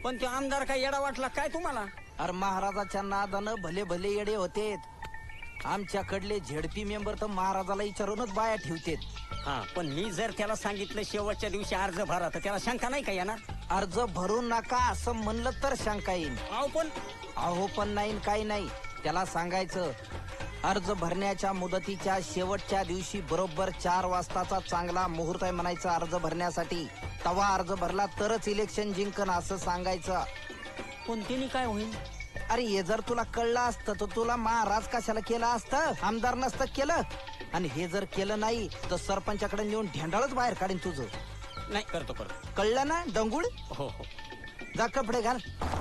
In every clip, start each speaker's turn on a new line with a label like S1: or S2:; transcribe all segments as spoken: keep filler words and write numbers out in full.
S1: पण तो आमदार काय येडा वाटला काय तुम्हाला?
S2: अरे महाराजाच्या नादानं भले भले येडे होते. आमच्याकडले झेडपी मेंबर तर महाराजाला विचारूनच बाया ठेवतेत.
S1: हा पण मी जर त्याला सांगितलं शेवटच्या दिवशी अर्ज भरा तर त्याला शंका नाही का येणार?
S2: अर्ज भरू नका असं म्हणलं तर शंका येईल.
S1: अहो पण
S2: अहो पण नाही काही नाही. त्याला सांगायचं अर्ज भरण्याच्या मुदतीच्या शेवटच्या दिवशी बरोबर चार वाजताचा चांगला मुहूर्त आहे म्हणायचा अर्ज भरण्यासाठी. तवा अर्ज भरला तरच इलेक्शन जिंकन असं सांगायचं.
S1: पण तिने काय होईल?
S2: अरे हे जर तुला कळलं असतं तर तुला महाराज कशाला केलं असतं, आमदार नसतं केलं. आणि हे जर केलं नाही तर सरपंचाकडे नेऊन ढेंडाळच बाहेर काढीन तुझं.
S1: नाही करतो करतो.
S2: कळलं ना डंगुळ?
S1: हो हो.
S2: जा कपडे घाल.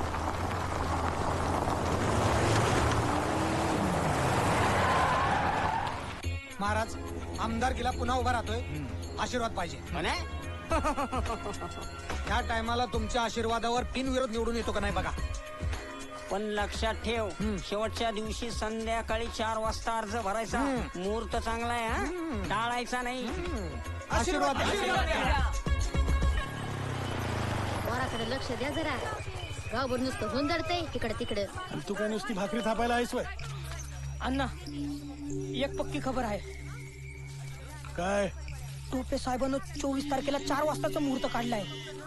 S3: महाराज आमदारकीला पुन्हा उभा राहतोय, आशीर्वाद पाहिजे. त्या टायमाला तुमच्या आशीर्वादावर बिनविरोध निवडून येतो का नाही बघा.
S1: पण लक्षात ठेव शेवटच्या दिवशी संध्याकाळी चार वाजता अर्ज भरायचा. मुहूर्त चांगला आहे हा, टाळायचा नाही.
S3: आशीर्वाद
S4: वराकडे लक्ष द्या जरा. गावभर नुसतं हुंदडतंय इकडे तिकडे.
S3: तू काय नुसती भाकरी थापायला आहेस वय?
S5: अण्णा एक पक्की खबर आहे.
S3: काय?
S5: टोपे साहेबांना चोवीस तारखेला चार वाजताचा मुहूर्त काढलाय.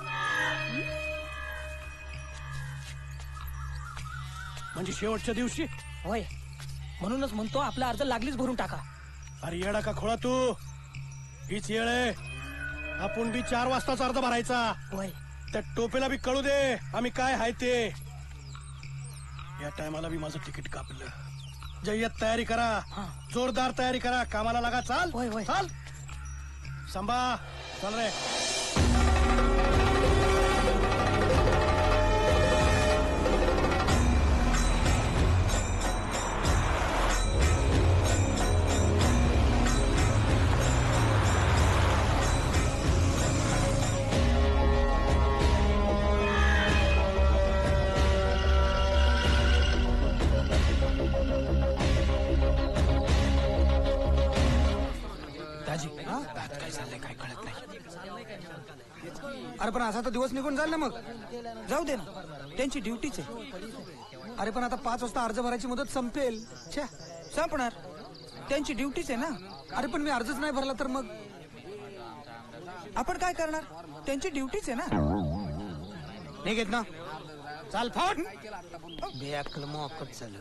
S3: म्हणजे शेवटच्या दिवशी?
S5: होय, म्हणूनच म्हणतो आपला अर्ज लागलीच भरून टाका.
S3: अरे येडा का खोळा तू, हीच येळ आहे. आपण बी चार वाजताच अर्ज भरायचा.
S5: होय,
S3: त्या टोपेला बी कळू दे आम्ही काय हाय ते. या टायमाला बी माझं तिकीट कापलं. जय्यत तयारी करा, जोरदार तयारी करा, कामाला लागा. चाल
S5: होय होय
S3: चाल संभा, चल रे. अरे पण असा तर दिवस निघून जाईल ना. मग
S5: जाऊ दे ना, त्यांची ड्युटीच आहे.
S3: अरे पण आता पाच वाजता अर्ज भरायची मुदत संपेल. छे,
S5: संपणार, त्यांची ड्युटीच आहे ना.
S3: अरे पण मी अर्जच नाही भरला तर मग
S5: आपण काय करणार, त्यांची ड्युटीच आहे ना.
S3: नाही घेत ना. चाल फाट.
S2: बेअक्कल मोकट झालं.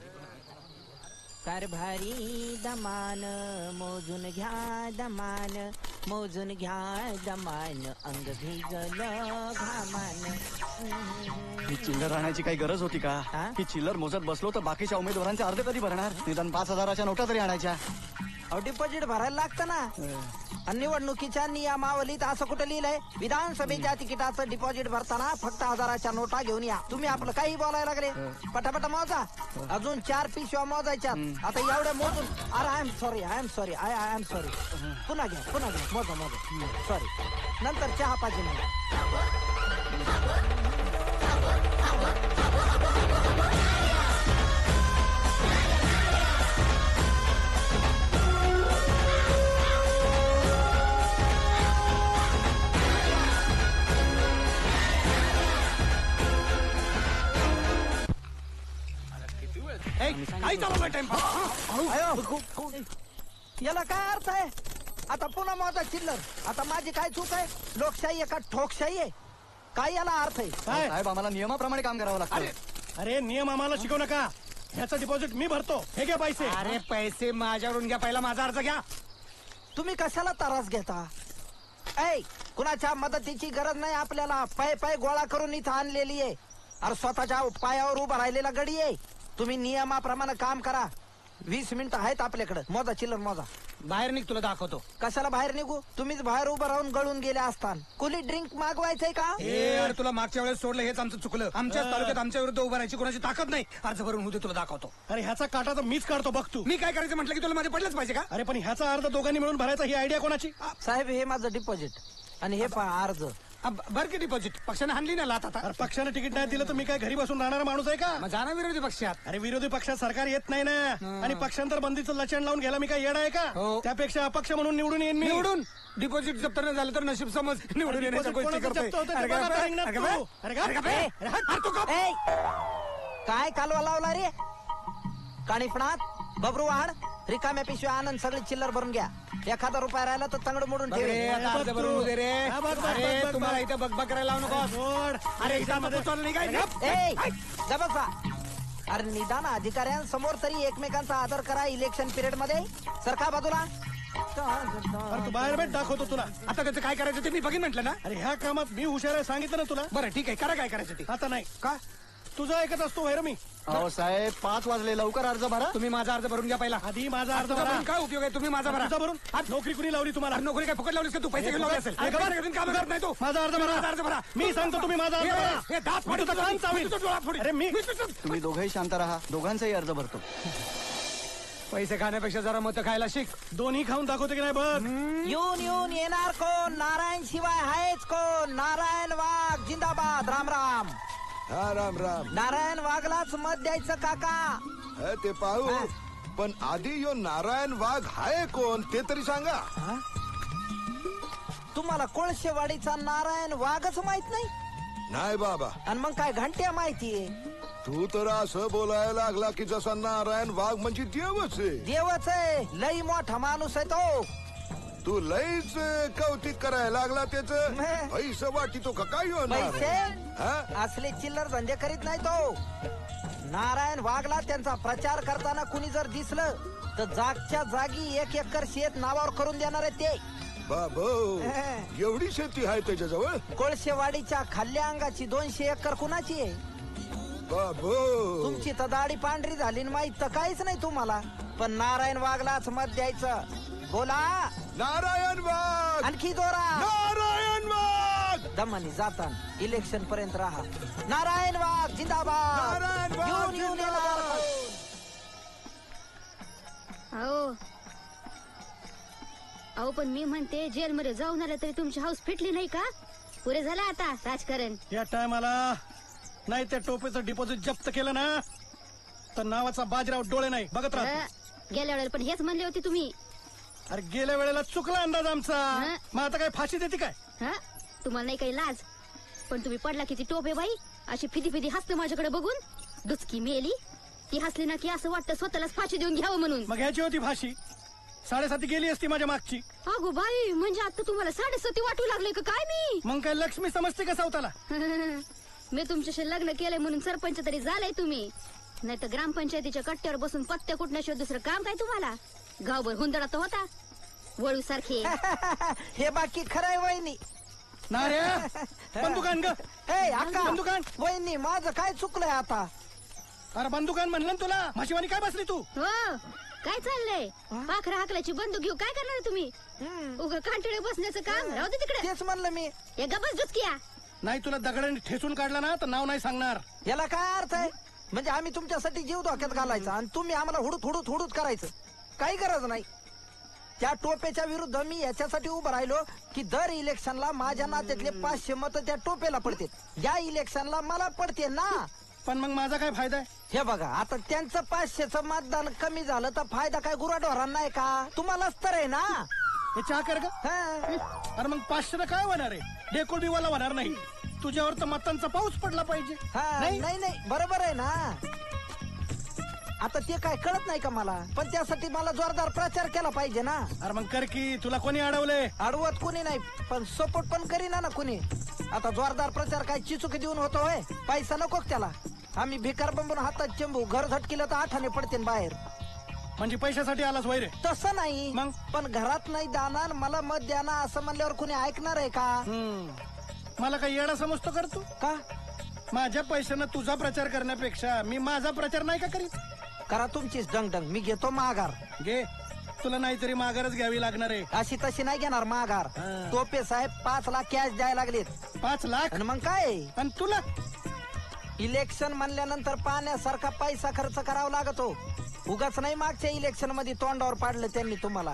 S2: कारभारी दमान मोजून घ्या दमान, मोजून घ्या दमान, अंग भिजलं घामान.
S6: ही चिल्लर राहण्याची काही गरज होती का?
S2: हा?
S6: ही चिल्लर मोजत बसलो तर बाकीच्या उमेदवारांचे अर्ज कधी भरणार? निदान पाच हजाराच्या नोटा तरी आणायच्या.
S2: अहो डिपॉझिट भरायला लागतं ना. आणि निवडणुकीच्या नियमावलीत असं कुठं लिहिलंय? विधानसभेच्या तिकिटाचं डिपॉझिट भरताना फक्त हजाराच्या नोटा घेऊन या. तुम्ही आपलं काही बोलायला लागले. पटापटा मोजा. अजून चार पिशव्या मोजायच्या. आता एवढ्या मोजून. अरे I am sorry, I am sorry, I I am sorry. पुन्हा घ्या, पुन्हा घ्या, मोजा मोजा. सॉरी. नंतर चहा पाहिजे मला.
S3: काही चालू टाइम.
S2: याला काय अर्थ आहे? आता पुन्हा मोजा चिल्लर. आता माझी काय चूक आहे? लोकशाही आहे का ठोकशाही आहे? काय याला अर्थ आहे?
S3: काय?
S6: साहेब आम्हाला नियमाप्रमाणे काम करावं लागतं.
S3: अरे नियम आम्हाला शिकवू नका. ह्याचं डिपॉझिट मी भरतो. हे घ्या पैसे. अरे पैसे माझ्यावरून घ्या. पहिला माझा अर्ज घ्या.
S2: तुम्ही कशाला त्रास घेता? ऐ कुणाच्या मदतीची गरज नाही आपल्याला. पाय पाय गोळा करून इथं आणलेली आहे. अरे स्वतःच्या पायावर उभा राहिलेला गडी आहे. तुम्ही नियमाप्रमाणे काम करा. वीस मिनिटं आहेत आपल्याकडे. मोजा चिल्लर मोजा.
S3: बाहेर निघ, तुला दाखवतो.
S2: कशाला बाहेर निघू? तुम्हीच बाहेर उभं राहून गळून गेले असतान. कुली ड्रिंक मागवायचंय का?
S3: हे यार तुला मागच्या वेळेस सोडलं हेच आमचं चुकलं. आमच्याच तालुक्यात आमच्या विरुद्ध उभं राहायची कोणाची ताकद नाही. अर्ज भरून होते, तुला दाखवतो. अरे ह्याचा काटा तर मीच काढतो बघ तू. मी काय करायचं म्हटलं की तुला माझे पडलंच पाहिजे का? अरे पण ह्याचा अर्ज दोघांनी मिळून भरायचा ही आयडिया कोणाची?
S2: साहेब हे माझं डिपॉझिट आणि हे पहा अर्ज.
S5: अब भर की डिपॉझिट पक्षाने हाणली ना लात आता
S3: अरे पक्षाने तिकीट नाही दिलं तर मी काय घरी बसून राहणारा माणूस आहे का?
S5: मग जाणार विरोधी पक्षात.
S3: अरे विरोधी पक्षात सरकार येत नाही ना, आणि पक्षांतर बंदीचं लचण लावून घ्यायला मी काय येडा आहे का?
S5: हो.
S3: त्यापेक्षा अपक्ष म्हणून निवडून येईन मी.
S5: निवडून डिपॉझिट जप्त नाही झालं तर नशीब समज निवडून येण्याच्या
S3: deposit
S5: गोष्टी
S3: कोणाचं
S5: करतोय.
S3: जप्त होतं ते
S5: अरे
S3: बघा
S5: गप्प,
S3: रिंगणात
S5: अरे
S3: तू.
S5: गप्प,
S3: अरे गप्प.
S5: अरे गप्प,
S3: ए,
S5: अरे हात, हात तू गप्प.
S2: ए, काय कालवा लावला रे? काणीपणात बबरूवाड रिकाम्या पिशव्या आनंद सगळी चिल्लर भरून घ्या. एखादा रुपया राहिला तर तंगड मोडून
S5: बघ रे,
S2: ठेवे.
S5: आता अर्ज भरून दे रे.
S3: हा, बघ, बघ, बघ,
S5: अरे
S3: बघ,
S5: तुम्हाला
S3: बघ.
S5: इथं बघ बघ करायला लावू नको.
S3: गोड.
S5: अरे इथं नको चाललं नाही काय? गप्प.
S2: ए जबसा अरे निदान अधिकाऱ्यांसमोर तरी एकमेकांचा आदर करा. इलेक्शन पिरियड मध्ये सरका बाजूला.
S3: अरे तू बाहेर भेट दाखवतो तुला.
S5: आता त्याचं काय करायचं ते मी बघीन म्हटलं ना.
S3: अरे ह्या कामात मी हुशार आहे सांगितलं ना तुला.
S5: बरं ठीक आहे, करा काय करायचं ते.
S3: आता नाही
S5: का
S3: तुझं ऐकत असतो व्हायर मी.
S6: अहो साहेब पाच वाजले लवकर अर्ज भरा.
S5: तुम्ही माझा अर्ज भरून घ्या पहिला.
S3: आधी माझा अर्ज
S5: तुझा
S3: भरा.
S5: भरून काय उपयोग आहे? तुम्ही माझा भरा.
S3: तुझा भरून
S5: आज
S3: नोकरी कुणी लावली तुम्हाला?
S5: अरे नोकरी काय फुकट लावलीस का तू? पैसे घेऊन लावले असेल.
S3: अरे
S5: अरे
S3: गप्प.
S5: पैसे घेऊन काम करत नाही तू.
S3: माझा अर्ज भरा.
S5: माझा अर्ज भरा.
S3: मी सांगतो तुम्ही माझा अर्ज
S5: हे,
S3: भरा.
S5: हे, दात
S3: मी तुझं
S5: फाडून
S3: कान चावीन.
S5: तुझं डोळा फोडीन.
S3: अरे मी
S5: मी तुझं-
S6: तुम्ही दोघंही शांत राहा, दोघांचाही अर्ज भरतो.
S5: पैसे खाण्यापेक्षा जरा मत खायला शिक.
S3: दोन्ही खाऊन दाखवते की नाही बघ.
S2: येऊन येऊन येणार कोण? नारायण शिवाय आहेच कोण? नारायण वाघ जिंदाबाद. राम राम.
S7: हा राम राम.
S2: नारायण वाघलाच मत द्यायचं काका.
S7: हे ते पाहू, पण आधी यो नारायण वाघ हाय कोण ते तरी सांगा.
S2: तुम्हाला कोळशेवाडीचा नारायण वाघच माहित नाही?
S7: नाही बाबा,
S2: आणि मग काय घंट्या माहितीये?
S7: तू तर असं बोलायला लागला की जसा नारायण वाघ म्हणजे देवच आहे.
S2: देवच आहे, लई मोठा माणूस आहे तो.
S7: तू लईच कौतिक करायला लागला त्याच.
S2: नाही.
S7: पैसे वाटितो का काय यो
S2: पैसे
S7: नारायण? हा?
S2: असले चिल्लर धंदे करीत नाही तो. नारायण वाघला त्यांचा प्रचार करताना कुणी जर दिसलं तर जागच्या जागी एक एकर शेत नावावर करून देणार आहे ते.
S7: बाबो, एवढी शेती आहे त्याच्याजवळ?
S2: कोळशेवाडीच्या खाल्ल्या अंगाची दोनशे एकर कुणाची आहे?
S7: बाबो,
S2: तुमची तर दाढी पांढरी झाली न माहित तर काहीच नाही तुम्हाला. पण नारायण वाघलाच मत द्यायचं. बोला
S7: नारायण वाघ.
S2: आणखी दोरा.
S7: नारायण वाघ.
S2: दमानी जाताना इलेक्शन पर्यंत राहा. नारायण वाघ जिंदाबाद.
S7: नारायण वाघ
S2: येऊन येऊन येणार.
S4: अहो अहो पण मी म्हणते जेलमध्ये जाऊन आलं तरी तुमची हाऊस फिटली नाही का? पुरे झालं आता राजकारण.
S3: या टायमाला नाही त्या टोपेचं डिपॉझिट जप्त केलं ना तर नावाचा बाजीराव डोळे नाही बघत राहतो.
S4: अ, गेल्या वेळेला पण हेच म्हणले होते तुम्ही.
S3: अरे गेल्या वेळेला चुकला अंदाज आमचा.
S4: हं?
S3: मग आता काय फाशी देते काय?
S4: हा तुम्हाला नाही काही लाज? पण तुम्ही पडला किती टोपे बाई. अशी फिदी फिदी हसते माझ्याकडे बघून. दुचकी मेली ती हसली ना की असं वाटतं स्वतःलाच फाशी देऊन घ्यावं म्हणून.
S3: मग ह्याची होती फाशी. साडेसाती गेली असती माझ्या मागची.
S4: अगो बाई, म्हणजे आता तुम्हाला साडेसती वाटू लागले का काय मी?
S3: मग काय लक्ष्मी समजते का सावताला?
S4: मी तुमच्याशी लग्न केलंय म्हणून सरपंच तरी झालाय तुम्ही. नाही तर ग्रामपंचायतीच्या कट्ट्यावर बसून पत्ते कुटण्याशिवाय दुसरं काम काय तुम्हाला? गावभर हुंदडा तर होता वळू सारखे.
S2: हे बाकी खरंय वहिनी.
S3: नाऱ्या बंदुकान ग.
S2: ए अक्का
S3: बंदुकान.
S2: वहिनी माझं काय चुकलंय आता?
S3: अरे बंदुकान म्हणलं ना तुला. म्हशीवानी काय बसली तू?
S4: हो काय चाललंय? पाखरा हाकल्याची बंदूक घेऊ काय करणार तुम्ही? उगा कांटळे बसण्याचं काम राहू दे तिकडे.
S2: तेच म्हणलं मी.
S4: या गबस दुचकिया.
S3: नाही तुला दगडाने ठेचून काढला ना तर नाव नाही सांगणार.
S2: याला काय अर्थ आहे? म्हणजे आम्ही तुमच्यासाठी जीव धोक्यात घालायचा आणि तुम्ही आम्हाला हुडूत हुडूत हुडूत करायचं? काही गरज नाही. त्या टोपेच्या विरुद्ध मी याच्यासाठी उभं राहिलो की दर इलेक्शनला माझ्या नात्यातले पाचशे मत त्या टोपेला पडते. या इलेक्शनला मला पडते ना.
S3: पण मग माझा काय फायदा आहे?
S2: हे बघा आता त्यांचं पाचशेचं मतदान कमी झालं तर फायदा काय गुराढोरांना आहे का? तुम्हालाच तर आहे ना.
S3: हे चहा कर ग.
S2: हा.
S3: अरे मग पाचशे काय होणार आहे? डेकोल बिवाला होणार नाही. तुझ्यावर तर मतांचा पाऊस पडला पाहिजे.
S2: हा,
S3: नाही?
S2: नाही नाही बरोबर आहे ना. आता ते काय कळत नाही का मला? पण त्यासाठी मला जोरदार प्रचार केला पाहिजे ना.
S3: अरे मग कर की. तुला कोणी अडवले?
S2: अडवत कुणी नाही पण सपोर्ट पण करीना ना कुणी. आता जोरदार प्रचार काय चिचुकी देऊन होतो होय? पैसा नको का त्याला? आम्ही भिकार बंबून हातात चेंबू घर झटकिलं तर आठाने पडते बाहेर.
S3: म्हणजे पैशासाठी आलाच वैरे?
S2: तसं नाही
S3: मग?
S2: पण घरात नाही दाना मला मत द्या ना असं म्हणल्यावर कुणी ऐकणार आहे का?
S3: हम्म. मला काही येडा समजतो कर तू?
S2: का
S3: माझ्या पैशानं तुझा प्रचार करण्यापेक्षा मी माझा प्रचार नाही का करीत?
S2: करा तुमचीच डंगडंग. मी घेतो माघार.
S3: घे. तुला नाहीतरी माघारच घ्यावी लागणार आहे.
S2: अशी तशी नाही घेणार माघार.
S3: हा.
S2: टोपे साहेब पाच लाख कॅश द्यायला लागलेत.
S3: पाच लाख
S2: आणि मग काय?
S3: आणि तुला
S2: इलेक्शन म्हणल्यानंतर पाण्यासारखा पैसा खर्च करावा लागतो. उगाच नाही मागच्या इलेक्शन मध्ये तोंडावर पाडलं त्यांनी तुम्हाला.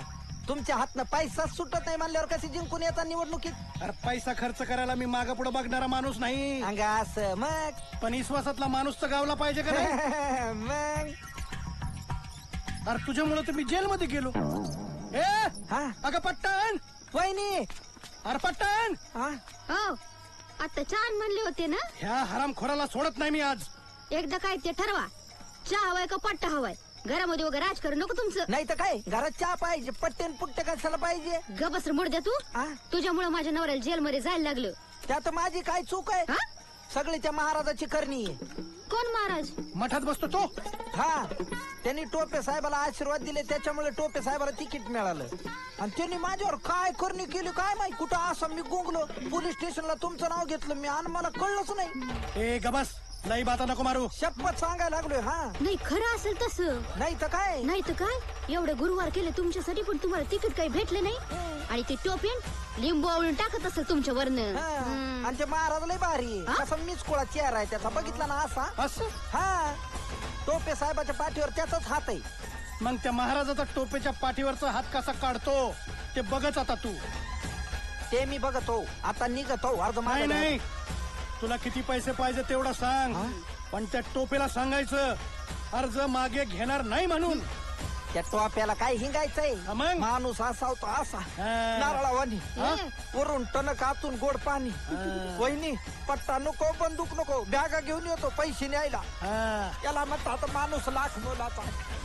S2: तुमच्या हातनं पैसा सुटत नाही म्हणल्यावर कशी जिंकून येतात निवडणुकीत?
S3: अरे पैसा खर्च करायला मी माग पुढे बघणारा माणूस नाही.
S2: अंगा असं मग
S3: पण विश्वासातला माणूस तर गावला पाहिजे का नाही?
S2: मग
S3: अरे तुझ्यामुळे तर मी जेलमध्ये गेलो. ए
S2: हा
S3: अगं पट्टण,
S2: वहिनी
S3: अरे पट्टण,
S2: हा
S4: हो आता छान म्हणले होते ना.
S3: ह्या हरामखोराला सोडत नाही मी आज.
S4: एकदा काय ते ठरवा, चहा हवाय का पट्टा हवाय. घरामध्ये वगैरे राजकारण नको तुमचं.
S2: नाही तर काय घरात चहा पाहिजे, पट्टेन पुट्टे कशाला पाहिजे?
S4: गबस मोड द्या तू.
S2: हा?
S4: तुझ्यामुळे माझ्या नवऱ्याला जेलमध्ये जायला लागलं.
S2: त्यात माझी काय चूक आहे?
S4: हा?
S2: सगळी त्या महाराजाची करणी आहे.
S4: कोण महाराज?
S3: मठात बसतो तो.
S2: हा त्यांनी टोपे साहेबाला आशीर्वाद दिले, त्याच्यामुळे टोपे साहेबाला तिकीट मिळालं. आणि त्यांनी माझ्यावर काय करणी केली काय माहिती. कुठं असं मी गुंगलो, पोलीस स्टेशनला तुमचं नाव घेतलं मी आणि मला कळलंच नाही.
S3: ए गबस, लई बाता नको मारू.
S2: शपथ सांगायला लागलोय. हा
S4: नाही खरं असेल तसं.
S2: नाही तर काय.
S4: नाही तर काय, एवढे गुरुवार केले तुमच्यासाठी पण तुम्हाला तिकीट काही भेटलं नाही. आणि ते टोपेन लिंबू आवळून टाकत असेल तुमच्या वरनं.
S2: हा. आणि ते महाराज लय भारी आहे.
S4: हा?
S2: कसा मीच कोळा चेहरा आहे त्याचा, बघितला ना असा.
S3: असं
S2: हा टोपे साहेबाच्या पाठीवर त्याचाच हात आहे.
S3: मग त्या महाराजाचा टोपेच्या पाठीवरचा हात कसा काढतो ते बघच आता तू.
S2: ते मी बघतो. आता निघतो अर्ध
S3: नाही
S2: मागे
S3: नाही, तुला किती पैसे पाहिजे तेवढा सांग. पण त्या टोपेला सांगायचं अर्ज मागे घेणार नाही म्हणून.
S2: त्या टोप्याला काय हिंगायचंय?
S3: हा मग?
S2: माणूस असा होता असा
S3: हा.
S2: नारळावानी,
S4: हा?
S2: वरून टणक आतून गोड पाणी. वहिनी पट्टा नको, बंदूक नको, बॅगा घेऊन येतो पैसे न्यायला.
S3: हा.
S2: याला म्हणतात माणूस लाख मोलाचा.